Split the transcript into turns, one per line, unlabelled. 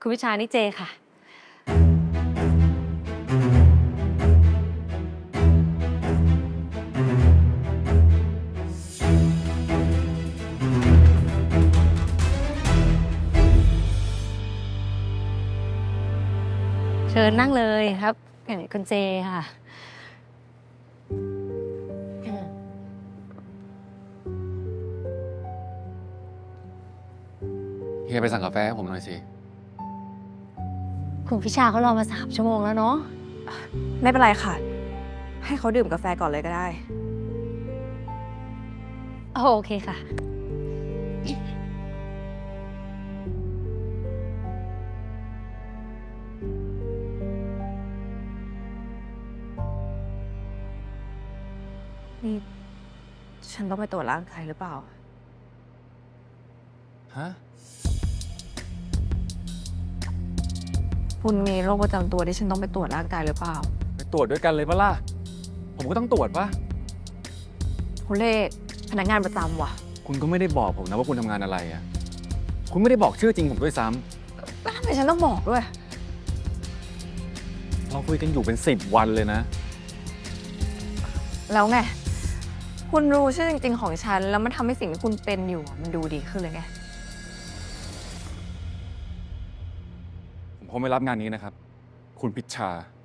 คุณวิชานี่เจค่ะเชิญนั่งเลยครับคุณเจค่ะ
เฮียไปสั่งกาแฟให้ผมหน่อยสิ
คุณพิชาเขารอมา3 ชั่วโมงแล้วเนาะ
ไม่เป็นไรค่ะ ให้เขาดื่มกาแฟก่อนเลยก็ได้
โอเคค่ะ
นี่ ฉันต้องไปตรวจร่างกายหรือเปล่า
ฮะ
คุณมีโรคประจำตัวที่ฉันต้องไปตรวจร่างกายหรือเปล่า
ไปตรวจด้วยกันเลยปะล่ะ ผมก็ต้องตรวจปะ
คุณเลขพนักงานประจำว่ะ
คุณก็ไม่ได้บอกผมนะว่าคุณทำงานอะไรอ่ะ คุณไม่ได้บอกชื่อจริงผมด้วยซ้ำ
แล้วทำไมฉันต้องบอกด้วย
เราคุยกันอยู่เป็น10 วันเลยนะ
แล้วไง คุณรู้ชื่อจริงๆของฉัน แล้วมันทำให้สิ่งที่คุณเป็นอยู่มันดูดีขึ้นเลยไง
ผมคงไม่รับงานนี้นะครับ คุณพิชชา